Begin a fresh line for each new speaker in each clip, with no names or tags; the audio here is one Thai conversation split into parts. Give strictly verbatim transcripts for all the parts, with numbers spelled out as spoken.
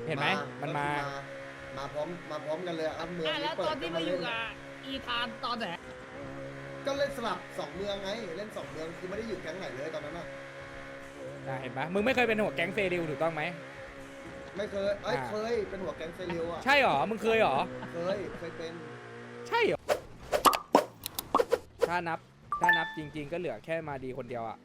เห็นไหมมันมา
มาพร้อมมาพร้อมกันเลยครับเมือง
แล้วตอนที่มาอยู่กับอีธานตอนไหน
ก็เล่นสลับสองเมืองไงเล่นสองเมืองคือไม่ได้อยู่แก๊งไหนเลยตอนนั้นอ่ะ
เห็นปะมึงไม่เคยเป็นหัวแก๊งเซริลถูกต้องไหม
ไม่เคยเอ้ยเคยเป็นหัวแก๊งเซริลอ่ะ
ใช่หรอมึงเคยหรอ
เคยเคยเป็น
ใช่หรอถ้านับถ้านับจริงๆก็เหลือแค่มาดีคนเดียวอะ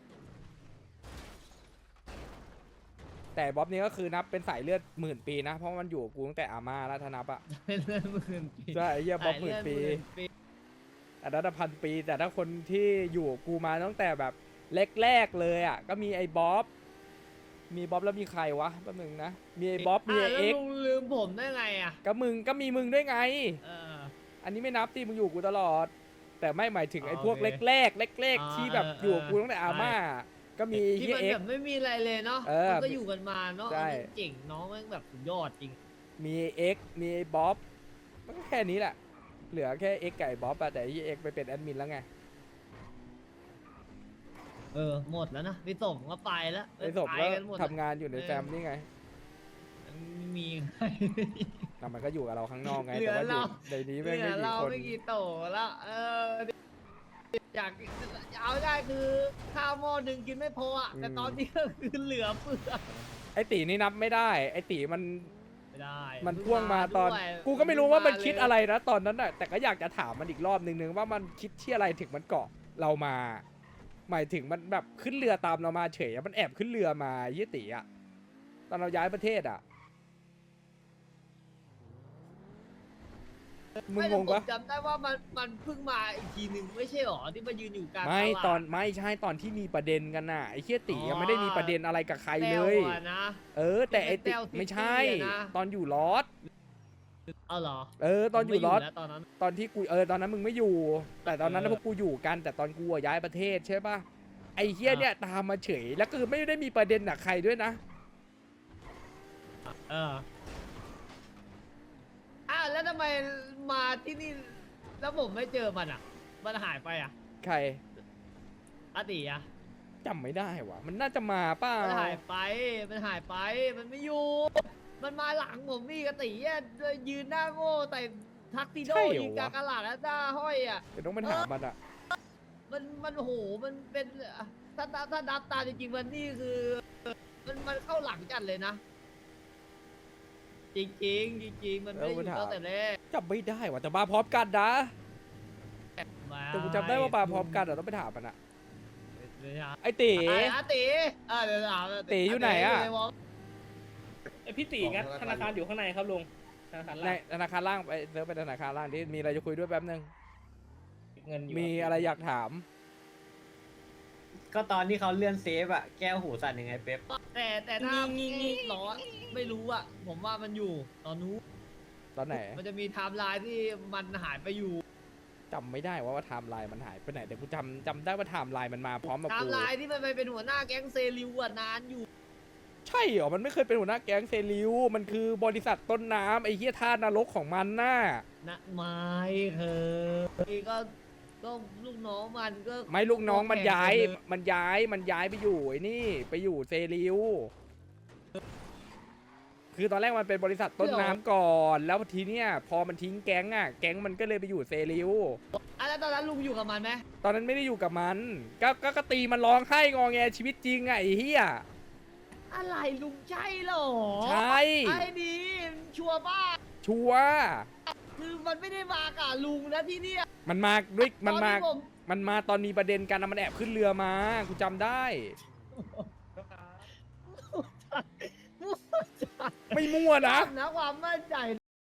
แต่บ๊อบนี้ก็คือนับเป็นสายเลือดหมื่นปีนะเพราะมันอยู่กูตั้งแต่อาม่าแล้วถ้านับอะ
เป็นเลือดหมื่นปี
ใช่เยี่ยบ๊อบหมื่นปีอันนั้นพันปีแต่ถ้าคนที่อยู่กูมาตั้งแต่แบบแรกๆเลยอะก็มีไอ้บ๊อบมีบ๊อบแล้วมีใครวะแป๊บนึงนะมีไอ้บ๊อบมีไอ้เอ็กซ์
ลืมผมได้ไงอะ
ก็มึงก็มีมึงด้วยไง
เออ
อันนี้ไม่นับที่มึงอยู่กูตลอดแต่ไม่หมายถึงไอ้พวกแรกๆเล็กๆที่แบบอยู่กูตั้งแต่อาม่าก็มี
ที่มันแบบไม่มีอะไรเลยเนาะมันก็อยู่กันมาเนาะเจ๋งน้องแม่งแบบสุดยอดจริง
มีเอ็กมีบ๊อบมันก็แค่นี้แหละเหลือแค่เอ็กไก่บ๊อบแต่ที่เอ็กไปเป็นแอดมินแล้วไง
เออหมดแล้วนะพี่สมก็ไปแล้ว
พี่สมก็ทำงานอยู่ในแฟมนี่ไง
มีใคร
แต่มันก็อยู่กับเราข้างนอกไงแต่ว่าอยู่ในนี้ไม่กี่คน
เราไม่กี่โตแล้วเอออยากเอาได้คือข้าวหม้อหนึ่งกินไม่พออ่ะแต่ตอนนี้ก็คือเหลือเฟือ
ไอตีนี่นับไม่ได้ไอตีมัน
ไม่ได้
มันพ่วงมาตอนกูก็ไม่รู้ว่ามันคิดอะไรนะตอนนั้นน่ะแต่ก็อยากจะถามมันอีกรอบนึงนึงว่ามันคิดที่อะไรถึงมันเกาะเรามาหมายถึงมันแบบขึ้นเรือตามเรามาเฉยมันแอบขึ้นเรือมายี่ตีอ่ะตอนเราย้ายประเทศอ่ะมึงงงปะ
จำได้ว่ามันมันเพิ่งมาอีกทีหนึ่งไม่ใช่หรอที่มายืนอยู่กลาง
ไม่ตอนไม่ใช่ตอนที่มีประเด็นกันน่ะไอ้เชี่ยตียังไม่ได้มีประเด็นอะไรกับใครเลยเออแต่ไอ้ตีไม่ใช่ตอนอยู่ลอส
เอาเหรอ
เออตอนอยู่ลอสตอนนั้นตอนที่กูเออตอนนั้นมึงไม่อยู่ แต่ตอนนั้นพวกกูอยู่กันแต่ตอนกูย้ายประเทศใช่ปะไอ้เชี่ยเนี่ยตามมาเฉยแล้วคือไม่ได้มีประเด็นกับใครด้วยนะ
เอออ้าวแล้วทำไมมาที่นี่แล้วผมไม่เจอมันอ่ะมันหายไปอ่ะ
ใคร
อาติอ่ะ
จำไม่ได้ว่ะมันน่าจะมาเปล่า
มันหายไปมันหายไปมันไม่อยู่มันมาหลังผมมีกติอ่ะยืนหน้าโง่แต่ทักซิโดยืนกลางกระหล่ำแล้วหน้าห้อยอ่ะ
เดี๋ยวต้องไปถามมันอ่ะ
มันมันโหมันเป็นถ้าถ้าดับตาจริงๆมันนี่คือมันมันเข้าหลังจัดเลยนะจริงจริงจริงมันไม่อยู่ตั้งแต่แรก
จำไม่ได้ว่ะแต่มาพร้อมกันนะแต่กูจำได้ว่ามาพร้อมกันแต่ต้องไปถามมันอะไอตี
ไอตีอ่าเดี๋ยวถาม
ตีอยู่ไหนอะ
ไอพี่ตีงั้นธนาคารอยู่ข้างในครับลุงธนาคารล่าง
ธนาคารล่างไปเดินไปธนาคารล่างที่มีอะไรจะคุยด้วยแป๊บนึงเงินมีอะไรอยากถาม
ก็ตอนที่เขาเลื่อนเซฟอะแก้วหูสั่นยังไงเป๊ป
แต่แต่ถ้างี้งี้หรอไม่รู้อะผมว่ามันอยู่ตอนนู้น
ตอนไหน
มันจะมีไทม์ไลน์ที่มันหายไปอยู่
จำไม่ได้ว่าว่าไทม์ไลน์มันหายไปไหนแต่กูจำจำได้ว่าไทม์ไลน์มันมาพร้อมกับกู
ไทม์ไลน์ที่มันไปเป็นหัวหน้าแก๊งเซริวอะนานอยู่
ใช่เหรอมันไม่เคยเป็นหัวหน้าแก๊งเซริวมันคือบริษัทต้นน้ำไอ้เหี้ยท่านรกของมันน่ะ
นะไม่เคยก็ก็ลูกน้องมันก็
ไม่ลูกน้องมันย้ายมันย้ายมันย้ายไปอยู่ไอ้นี่ไปอยู่เซริวคือตอนแรกมันเป็นบริษัทต้นน้ำก่อนแล้วทีเนี้ยพอมันทิ้งแก๊งอ่ะแก๊งมันก็เลยไปอยู่เซริว
อ่ะแล้วตอนนั้นลุงอยู่กับมันไหม
ตอนนั้นไม่ได้อยู่กับมันก็ก็ตีมันร้องไห้งอแงชีวิตจริงอ่ะไอ้เหี้ย
อะไรลุงใช่หรอ
ใช่
ไอ้ดีชัวร์ป่ะ
ชัวร์
คือมันไม่ได้มากับลุงนะที่นี่
มันมาด้วยมันมามันมาตอนมีประเด็นกันนะมันแอบขึ้นเรือมากูจำได้ไม่มั่วนะ
นะความมั่นใจ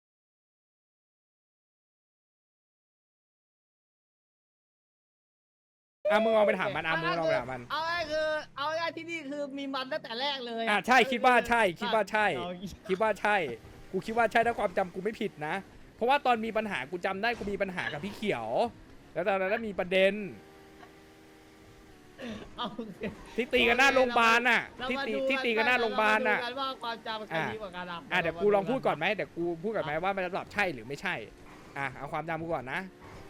อ่ะมึงเอาไปถามมันอ่ะมึงเอาไปถามมัน
เอาไอ้คือเอาไอ้ที่นี่คือมีมันตั้งแต่แรกเลย
อ่ะใช่คิดว่าใช่คิดว่าใช่คิดว่าใช่กูคิดว่าใช่ถ้าความจำกูไม่ผิดนะเพราะว่าตอนมีปัญหากูจำได้กูมีปัญหากับพี่เขียวแล้วตอนนั้นมีประเด็นที่ตีกันหน้าโรงพยาบาลน่ะที่ตีที่ตีกันหน้าโรงพยาบาลน่ะ
ว่าความจำใครดีกว่ากัน
อ่ะเดี๋ยวกูลองพูดก่อนไหมเดี๋ยวกูพูดก่อนไหมว่ามันจะตอบใช่หรือไม่ใช่อ่ะเอาความจำกูก่อนนะ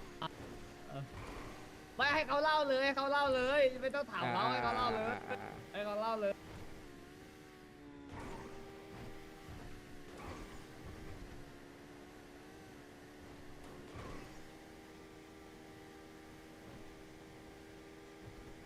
ไม่ให้เขาเล่าเลยให้เขาเล่าเลยไม่ต้องถามเขาให้เขาเล่าเลยให้เขาเล่าเลย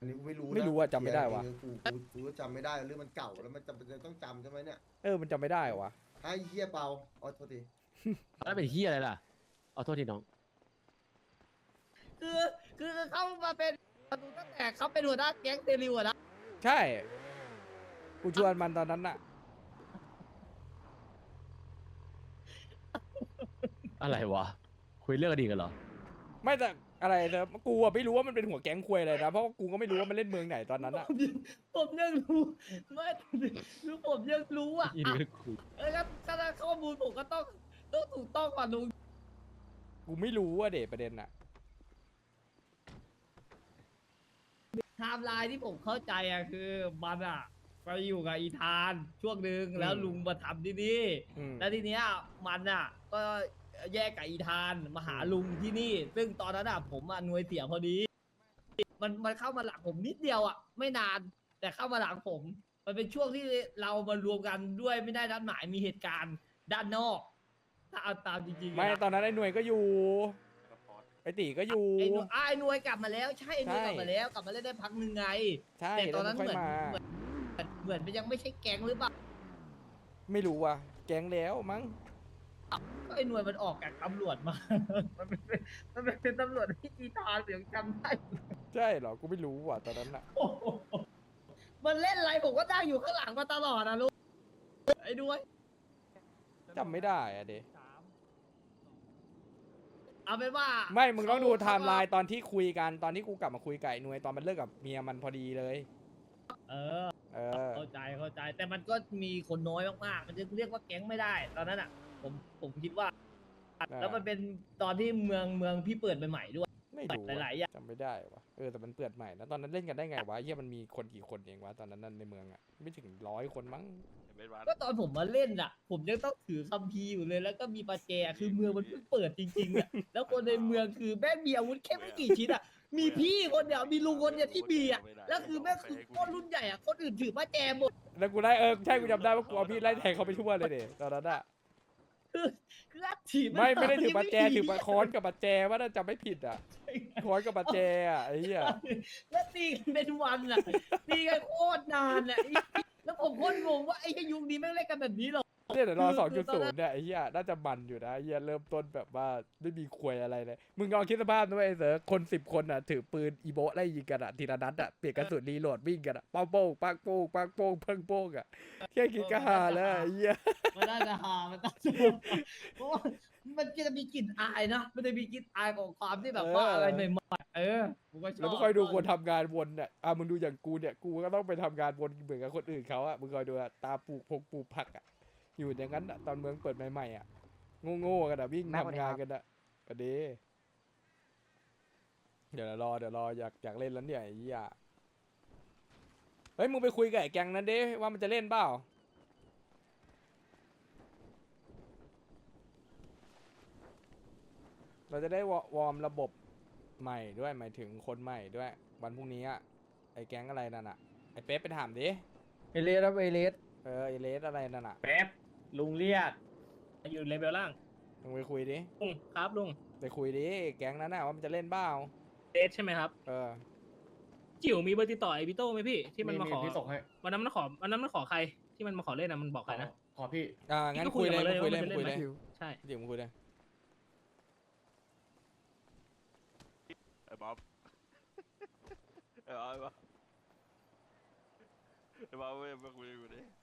อันนี้กูไม่รู้นะ
ไม่รู้อะจำไม่ได้วะ
เออกูกูกูก็จำไม่ได้เรื่องมันเก่าแล้วมันจำเป็นจะต้องจำใช่ไหมเนี่ย
เออมันจำไม่ได้วะ
ไอ้เหี้ยเปาอ๋อโทษที
แล้วเป็นเฮียอะไรล่ะเอาโทษทีน้อง
คือคือเขามาเป็นประตูตั้งแต่เขาเป็นหัวหน้าแก๊งเซริวอะนะ
ใช่ กูชวนมันตอนนั้นน่ะ
อะไรวะ คุยเรื่องอดีตกันเหรอ
ไม่แต่อะไรเนอะกูอะไม่รู้ว่ามันเป็นหัวแก๊งควยอะไรนะเพราะว่ากูก็ไม่รู้ว่ามันเล่นเมืองไหนตอนนั้นอะ
ผมยังผมยังรู้ไม่รู้ผมยังรู้อ่ะ
อีนี่ก็คุย
เออครับถ้าข้อมูลผมก็ต้องต้องถูกต้องก่อนลุง
กูไม่รู้ว่าเดทประเด็นอะ
ไทม์ไลน์ที่ผมเข้าใจอ่ะคือมันอ่ะไปอยู่กับอีธานช่วงหนึ่งแล้วลุงมาทำที่นี่
อืม
แล้วทีเนี้ยมันอ่ะก็แยกกับอีธานมาหาลุงที่นี่ ซึ่งตอนนั้นอ่ะผมอ่ะหน่วยเสียพอดี มันมันเข้ามาหลังผมนิดเดียวอ่ะไม่นานแต่เข้ามาหลังผม มันเป็นช่วงที่เรามารวมกันด้วยไม่ได้นัดหมายมีเหตุการณ์ด้านนอก ถ้าเอาตามจริงๆ
ไม่
นะ
ตอนนั้นไอ้หน่วยก็อยู่ไอ้ตีก็อยู่
ไอ้หน่วยอ่ะไอ้หน่วยกลับมาแล้วใช่ไอ้หน่วย
ใช่
กลับมาแล้วกลับมาเล่นได้พักหนึ่งไง
ใช่
แต่ต
แล้
อ
วน มั
นั้น
นค่อย
เหมือน
มา
เหมือนเหมือนมันยังไม่ใช่แก๊งหรือเปล่า
ไม่รู้ว่ะแก๊งแล้วมั้ง
ก็ไอ้หน่วยมันออกจากตำรวจมา มันเป็นมันเป็นตำรวจที่อีธานเสียงจำได้
ใช่เหรอกูไม่รู้ว่ะตอนนั้นอะ
โอ้โหมันเล่นอะไรผมก็นั่งอยู่ข้างหลังมาตลอดนะลูกไอ้ด้วย
จำไม่ได้อะเด
เอาเป็นว่า
ไม่มึงต้องดูไทม์ไลน์ตอนที่คุยกันตอนที่กูกลับมาคุยกับไอ้หน่วยตอนมันเลิกกับเมียมันพอดีเลย
เออ
เออ
เข้าใจเข้าใจ แต่มันก็มีคนน้อยมากๆ มันจะเรียกว่าแก๊งไม่ได้ ตอนนั้นอ่ะ ผมผมคิดว่า แล้วมันเป็นตอนที่เมืองเมืองพี่เปิดใหม่ๆด้วย
ไม่รู้
หลายๆอย่าง
จำไม่ได้วะเออแต่มันเปิดใหม่นะตอนนั้นเล่นกันได้ไงวะเฮียมันมีคนกี่คนเองวะตอนนั้นนั่นในเมืองอะไม่ถึงร้อยคนมั้ง
ก็ตอนผมมาเล่นอ่ะ ผมยังต้องถือคัมภีร์อยู่เลย แล้วก็มีประแจคือเมืองมันเพิ่งเปิดจริงๆอ่ะ แล้วคนในเมืองคือแม่งมีอาวุธแค่ไม่กี่ชิ้นอ่ะ มีพี่คนเดียวมีลุงคนเดียวที่มีอ่ะ แล้วคือแม่งคือคนรุ่นใหญ่อ่ะ คนอื่นถือประแจหมด
แล้วกูได้เออใช่กูจำได้ว่ากูเอาพี่ไล่แทงเขาไปทั่วเลยเดตอนนั้นอะ
คือคืออัดถีบ
ไม่ไม่ได้ถือปัจแจ
ไม่
ถือปัจค้อนกับปัจแจว่าน่าจะไม่ผิดอ่ะค้อนกับปัจแจอ่ะไอ้เหี้ย
แล้วตีกันเป็นวันอ่ะ ตีกันโคตรนานอ่ะไอ้แล้วผมโคตรงงว่าไอ้ยุคนี้แม่งเล่นกันแบบนี้เหรอ
เนี่ยเดี๋ยวรอ
คือ
สองจุด
คือต
ศู
อน
น
นั้น
ย์เนี่ยไอ้เหี้ยน่าจะมันอยู่นะไอ้เหี้ยเริ่มต้นแบบว่าไม่มีควยอะไรเลยมึงลองคิดสภาพนะเว้ยไอ้เสือคนสิบคนอ่ะถือปืนอีโบะไล่ยิงกันอ่ะทีละนัดอ่ะเปลี่ยนกระสุนรีโหลดวิ่งกันอ่ะป้งโป้งปังโป้งปังโป้งปังโป้งอ่ะแค่คิดก็ฮาแล้วไอ้เหี้ย
มันน่าจะหามันน่าจะเพราะว่ามันจะมีกลิ่นอายนะ มันจะมีกลิ่นอายของความที่แบบว่าอะไรใหม่ๆเออผมก็ชอบ
แล้วมึงคอยดูคนทำงานวนเนี่ยอ่ะมึงดูอย่างกูเนี่ย กูก็ต้องไปทำงานวนเหมือนกับคนอื่นเขาอ่ะ มึงคอยดูอ่ะ ตาปลูกพงปลูกผักอ่ะ อยู่อย่างนั้นอ่ะ ตอนเมืองเปิดใหม่ๆอ่ะ โง่ๆกันอ่ะ วิ่งทำงานกันอ่ะประเดี๋ยวเดี๋ยวรอ เดี๋ยวรอ อยากอยากเล่นแล้วเนี่ยไอ้เหี้ยเฮ้ย มึงไปคุยกับไอ้แก๊งนั้นดิว่ามันจะเล่นเปล่า เราจะได้วอวอร์มระบบใหม่ด้วยหมายถึงคนใหม่ด้วย วันพรุ่งนี้อะไอ้แก๊งอะไรนั่นอะไอ้เป๊ปไปถามดิ
เอเลสครับเอเลส
เออไอ้เลสอะไรนั่นอะ
แป๊บลุงเรียก
อยู่เลเวลล่าง
มึงไปคุยดิ
ลุงครับลุง
ไปคุยดิแก๊งนั้นน่ะว่ามันจะเล่นเปล่า
เดทใช่ไหมครับ
เออ
จิ๋วมีเบอร์ติดต่อไอพิโต้ไหมพี่ที่มันมาขอ
พี่ส่งให้
วันนั้นมันขอวันนั้นมันขอใครที่มันมาขอเล่นนะมันบอกใครนะ
ขอพี่
อ่างั้น
ก็คุ
คุย
ย
เลย
กับมันเลย
คุยเลย
ว่ามันจะ
คุยเลย
เล่นไหม ใช่
เดี๋ยวมึงคุยเลย
ไอ้บ๊อบไอ้บ๊อบไอ้บ๊อบไอ้บ๊อบเว้ยมาคุยกับกูดิ